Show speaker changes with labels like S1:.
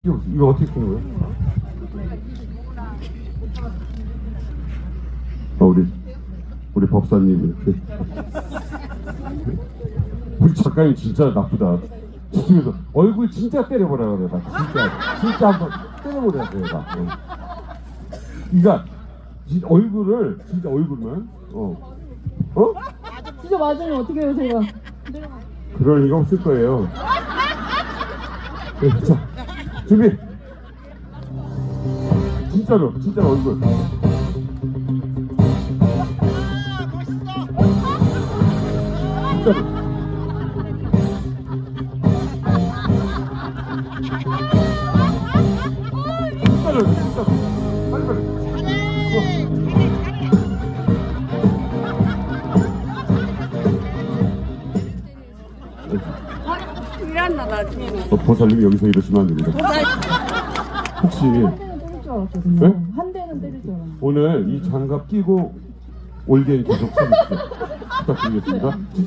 S1: 이거 어떻게 된 거예요? 우리 법사님 이렇게. 우리 작가님 진짜 나쁘다. 저쪽에서 얼굴 진짜 때려보라 그래. 나 진짜 한번 때려보라 그래. 나. 그러니까 얼굴을 진짜 얼굴만
S2: 진짜 맞으면 어떻게 해요, 제가?
S1: 그럴 리가 없을 거예요. 네, 자, 준비. 진짜로 얼굴. 진짜로. 진짜로. 빨리.
S3: 일한다 나중에는.
S1: 보살님 여기서 이러시면 안 됩니다. 혹시
S2: 한 대는 때릴 줄 알았거든요.
S1: 네?
S2: 한 대는 때릴 줄 알았는데.
S1: 오늘 이 장갑 끼고 올게임 계속 쳐주십시오. 부탁드리겠습니다.